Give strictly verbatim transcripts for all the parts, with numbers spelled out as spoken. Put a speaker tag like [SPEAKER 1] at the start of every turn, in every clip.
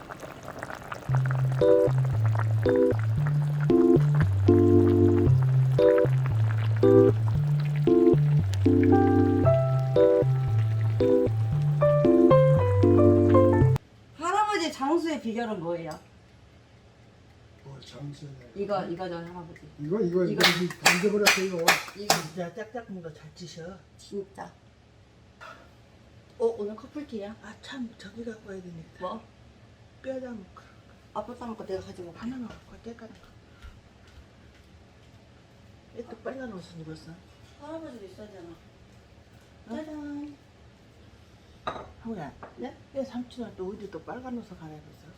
[SPEAKER 1] 할아버지 장수의 비결은 뭐예요?
[SPEAKER 2] 뭐 장수.
[SPEAKER 1] 이거 이거죠 할아버지.
[SPEAKER 2] 이거 이거
[SPEAKER 1] 이거.
[SPEAKER 2] 이거 던져버렸어 이거.
[SPEAKER 1] 이거
[SPEAKER 3] 진짜 짝짝한 거 잘 치셔.
[SPEAKER 1] 진짜. 어 오늘 커플티야?
[SPEAKER 3] 아 참 저기 갖고 와야 되니까.
[SPEAKER 1] 뭐?
[SPEAKER 3] 뼈다 먹고
[SPEAKER 1] 아빠 싸먹고 내가 가지고 가.
[SPEAKER 3] 하나만 갖고 와 때까지. 왜또 빨간 옷을 입었어?
[SPEAKER 1] 할아버지도 있어야잖아. 짜잔.
[SPEAKER 3] 형우야.
[SPEAKER 1] 네?
[SPEAKER 3] 왜 삼촌은 또 어디 또 빨간 옷을 갈아입었어?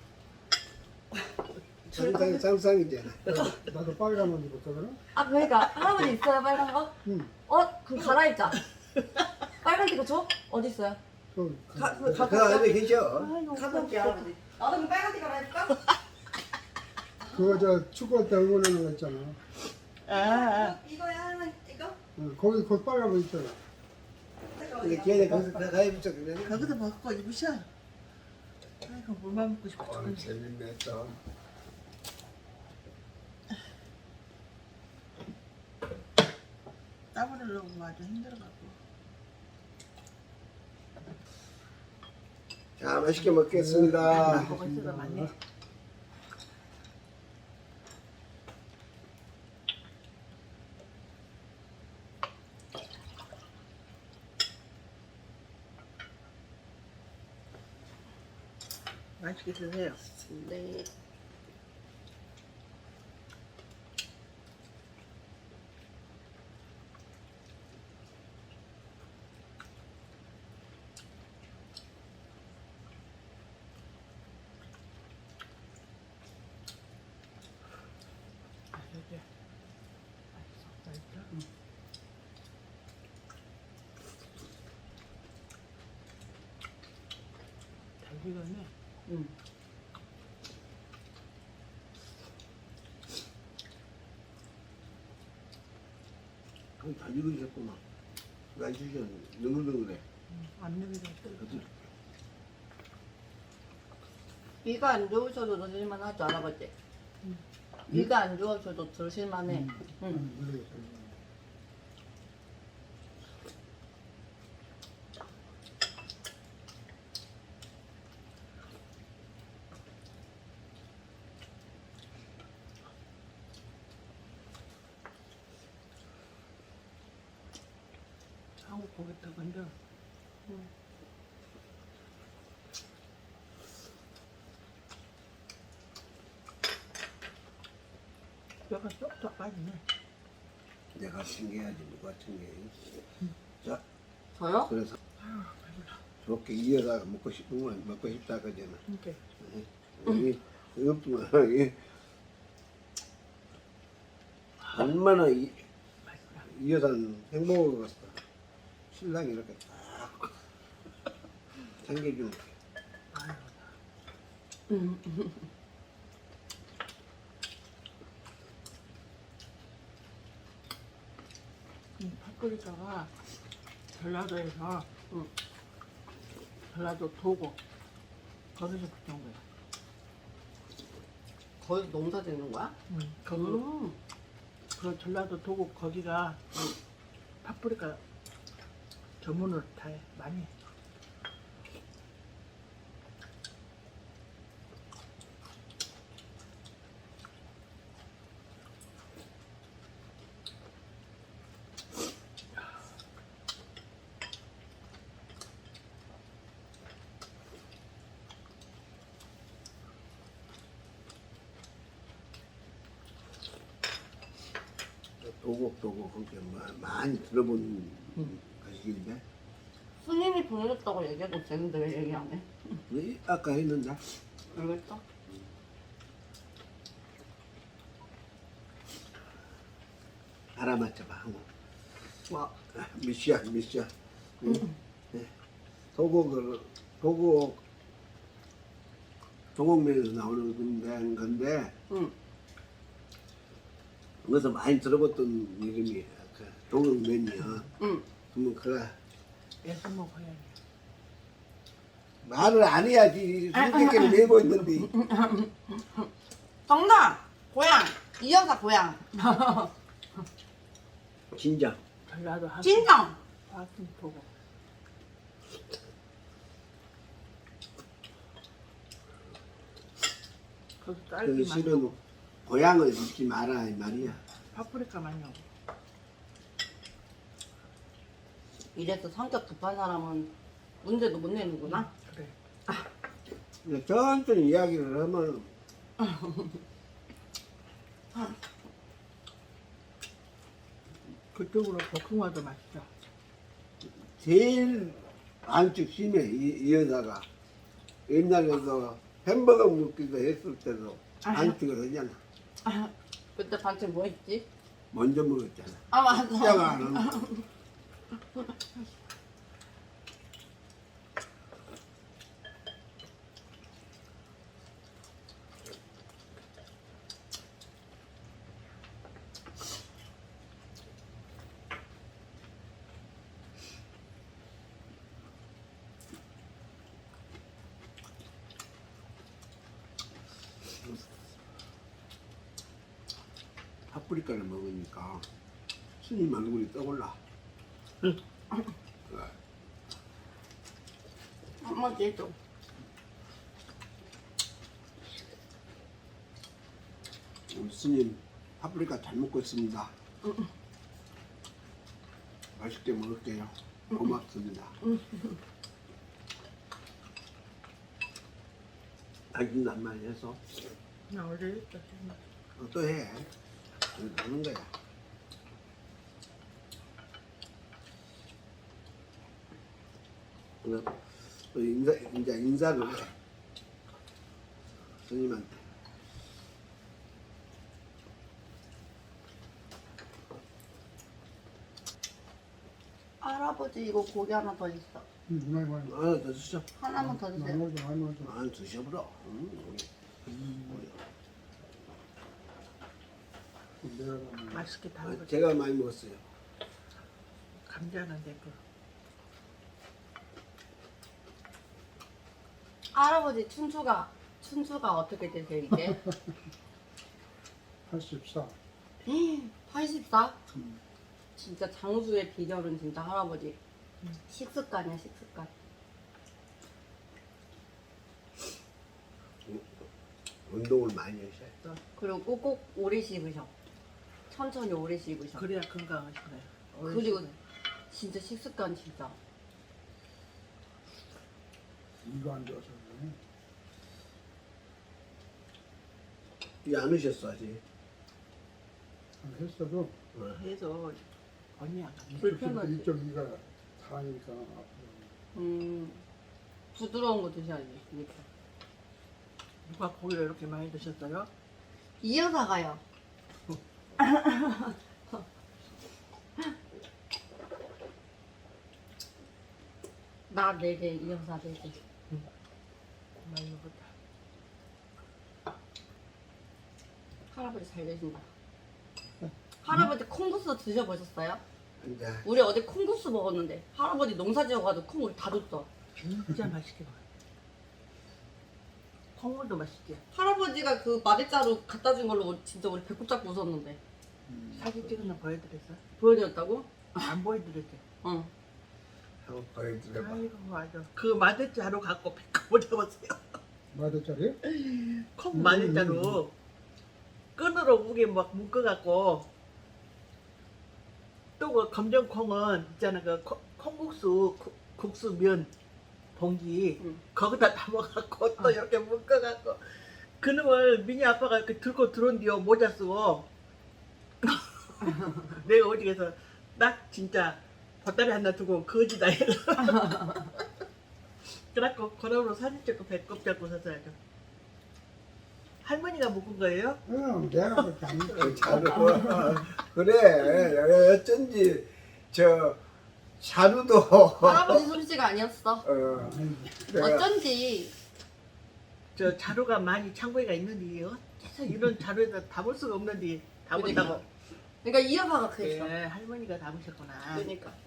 [SPEAKER 2] 장상 장상이잖아. 나도 빨간 옷 입었거든.
[SPEAKER 1] 아 그러니까 할아버지 있어요 빨간 거?
[SPEAKER 2] 응.
[SPEAKER 1] 어? 그럼 갈아입자. 빨간 티거 줘? 어디 있어요?
[SPEAKER 2] 그,
[SPEAKER 1] 가,
[SPEAKER 2] 그,
[SPEAKER 1] 그, 가,
[SPEAKER 4] 그 안에 계셔.
[SPEAKER 3] 아이고
[SPEAKER 1] 갖고 올게 할아버지. 나도 그럼 빨간 티 갈아입을까?
[SPEAKER 2] 그거 저 축구할 때 응원하는 거 있잖아.
[SPEAKER 3] 아, 아.
[SPEAKER 1] 이거야 할머니 이거?
[SPEAKER 2] 응, 거기 그 빨간 거 있잖아.
[SPEAKER 4] 근데 걔네 거기서 다 가입했어 그래.
[SPEAKER 3] 거기서 먹고 입으셔. 아이고 물만 먹고 싶어.
[SPEAKER 2] 아, 재밌네 또.
[SPEAKER 3] 땀 흘리려고 아주 힘들어갖고.
[SPEAKER 4] 자 맛있게 먹겠습니다.
[SPEAKER 3] 먹을 수가 많네. 맛있게 드세요.
[SPEAKER 1] 네.
[SPEAKER 3] 맛있게. 맛있어. 맛있어? 응. 잘 익었네.
[SPEAKER 1] 응.
[SPEAKER 4] 잘 익으셨구만. 날 주셔 능글능글해.
[SPEAKER 3] 안 익어서
[SPEAKER 4] 어디?
[SPEAKER 1] 위가 안 좋으셔도 드실만 하죠 할아버지? 위가 안 좋으셔도 드실만 해. 응.
[SPEAKER 2] 응, 그래.
[SPEAKER 3] 한국 고기 더 건져. 뼈가 쏙쏙 빠지네.
[SPEAKER 4] 내가 챙겨야지 누가 챙겨. 자
[SPEAKER 1] 저요?
[SPEAKER 4] 그래서 좋게 이어다가 먹고 싶으면 먹고 싶다 그잖아.
[SPEAKER 3] 이렇게.
[SPEAKER 4] 이 없지만 이 얼마나 이 이 여자는 행복을 갔어. 신랑이 이렇게 딱 챙겨주는 게.
[SPEAKER 1] 응.
[SPEAKER 3] 이 파프리카가 전라도에서
[SPEAKER 1] 응.
[SPEAKER 3] 전라도 도곡 거기서 붙은 거야.
[SPEAKER 1] 거기서 농사 짓는 거야?
[SPEAKER 3] 응. 거기
[SPEAKER 1] 음.
[SPEAKER 3] 그 전라도 도곡 거기가 파프리카 전문으로 다 해. 많이 해.
[SPEAKER 4] 도곡 도곡 그렇게 많이 들어본 가식인데
[SPEAKER 1] 스님이 보내줬다고 얘기해도 되는데 왜 얘기 안 해?
[SPEAKER 4] 왜 아까 했는데
[SPEAKER 1] 알겠어?
[SPEAKER 4] 알아맞혀봐 한번.
[SPEAKER 1] 뭐?
[SPEAKER 4] 미시야 미시야. 응? 네. 도곡을 도곡 도곡면에서 나오는 건데 건데
[SPEAKER 1] 응.
[SPEAKER 4] 거기서 많이 들어봤던 이름이 그 도곡면이야.
[SPEAKER 1] 응.
[SPEAKER 4] 그러면 그래
[SPEAKER 3] 애써 먹어야 돼.
[SPEAKER 4] 말을 안 해야지. 술객기를 내고 있는데.
[SPEAKER 1] 정답! 고향! 이 여사 고향!
[SPEAKER 4] 진짜.
[SPEAKER 3] 전라도 한
[SPEAKER 1] 진정!
[SPEAKER 3] 화순 보고. 거기
[SPEAKER 4] 그
[SPEAKER 3] 딸기 많이
[SPEAKER 4] 실은
[SPEAKER 3] 오고
[SPEAKER 4] 고향을 잊지 마라 이 말이야.
[SPEAKER 3] 파프리카 많이 오고.
[SPEAKER 1] 이래서 성격 급한 사람은 문제도 못 내는구나.
[SPEAKER 3] 그래.
[SPEAKER 4] 근데 천천히 이야기를 하면
[SPEAKER 3] 그쪽으로 볶음화도 맛있어.
[SPEAKER 4] 제일 안쪽 심해 이, 이 여자가 옛날에도 햄버거 먹기도 했을 때도 안쪽을 하잖아.
[SPEAKER 1] 아, 그때 반찬 뭐 했지?
[SPEAKER 4] 먼저 먹었잖아.
[SPEAKER 1] 아 맞아.
[SPEAKER 4] 시작 안 하고. 파프리카를 먹으니까 스님 얼굴이 떠올라.
[SPEAKER 1] 한번 해줘.
[SPEAKER 4] 우리 스님 파프리카 잘 먹고 있습니다. 맛있게 먹을게요. 고맙습니다. 당신도 한마디 해서
[SPEAKER 3] 나 어제 했어.
[SPEAKER 4] 어, 또 해. 하는 거야. 그럼 또 인사, 이제 인사를 해. 스님한테.
[SPEAKER 1] 할아버지 이거 고기 하나 더 있어.
[SPEAKER 2] 응, 많이 많이.
[SPEAKER 4] 하나 더 주셔.
[SPEAKER 1] 하나만 더 주세요.
[SPEAKER 2] 많이 많이 많이.
[SPEAKER 4] 아, 드셔보라. 음, 우리.
[SPEAKER 2] 내가 가면
[SPEAKER 3] 맛있게 다
[SPEAKER 4] 아,
[SPEAKER 3] 먹었어.
[SPEAKER 4] 제가 많이 먹었어요.
[SPEAKER 3] 감자는 내거.
[SPEAKER 1] 할아버지 춘추가 춘추가 어떻게 되세요 이게?
[SPEAKER 2] 팔십사.
[SPEAKER 1] 팔십사?
[SPEAKER 2] 음.
[SPEAKER 1] 진짜 장수의 비결은 진짜 할아버지 식습관이야 식습관.
[SPEAKER 4] 운동을 많이 하셔야 돼.
[SPEAKER 1] 그리고 꼭꼭 오래 씹으셔. 천천히 오래 씹으셔.
[SPEAKER 3] 그래야 건강하시네.
[SPEAKER 1] 그리고 진짜 식습관 진짜.
[SPEAKER 2] 이가 안 좋아서 그래.
[SPEAKER 4] 이게 안 하셨어, 아직.
[SPEAKER 2] 안 했어도
[SPEAKER 3] 해서 언니야.
[SPEAKER 1] 불편하지.
[SPEAKER 2] 이쪽 이가 다니까 아프고.
[SPEAKER 1] 음 부드러운 거 드셔야지. 이렇게.
[SPEAKER 3] 누가 고기를 이렇게 많이 드셨어요?
[SPEAKER 1] 이 여사가요. 나 네 개, 이 여사 네 개.
[SPEAKER 3] 많이 먹었다.
[SPEAKER 1] 할아버지 잘 되신다. 할아버지 콩국수 드셔보셨어요?
[SPEAKER 4] 이제
[SPEAKER 1] 우리 어제 콩국수 먹었는데 할아버지 농사 지어가지고 콩을 다 줬어.
[SPEAKER 3] 진짜 맛있게 먹어. 콩물도 맛있지.
[SPEAKER 1] 할아버지가 그 마대자루 갖다 준 걸로 진짜 우리 배꼽 잡고 웃었는데.
[SPEAKER 3] 사진 찍은 거 보여드렸어?
[SPEAKER 1] 보여드렸다고?
[SPEAKER 3] 안 보여드렸지?
[SPEAKER 1] 응.
[SPEAKER 4] 한번 보여드려봐.
[SPEAKER 3] 아이고 맞아. 그 마대자루 갖고 배꼽을 잡았어요.
[SPEAKER 2] 마대짜리?
[SPEAKER 3] 콩 마대자루 끈으로 무게 막 묶어갖고 또 그 검정콩은 있잖아 그 콩- 콩국수 국- 국수 면 봉지
[SPEAKER 1] 응.
[SPEAKER 3] 거기다 담아갖고 또 이렇게 묶어갖고 그놈을 미니 아빠가 이렇게 들고 들어온 뒤에 모자 쓰고 내가 어디 가서 딱 진짜 보따리 하나 두고 거지다 해서 그래갖고 그놈으로 사진 찍고 배꼽 잡고 서서야죠. 할머니가 묶은 거예요?
[SPEAKER 2] 응, 내가 그렇게 안
[SPEAKER 4] 어, 자루. 그래. 어쩐지 저 자루도
[SPEAKER 1] 할아버지 솜씨가 아니었어.
[SPEAKER 4] 어, 내가
[SPEAKER 1] 어쩐지.
[SPEAKER 3] 저 자루가 많이 창고에가 있는데 어째서 이런 자루에다 담을 수가 없는데 담았다고.
[SPEAKER 1] 그러니까 이 여사가 그랬어.
[SPEAKER 3] 네, 할머니가 담으셨구나.
[SPEAKER 1] 그러니까.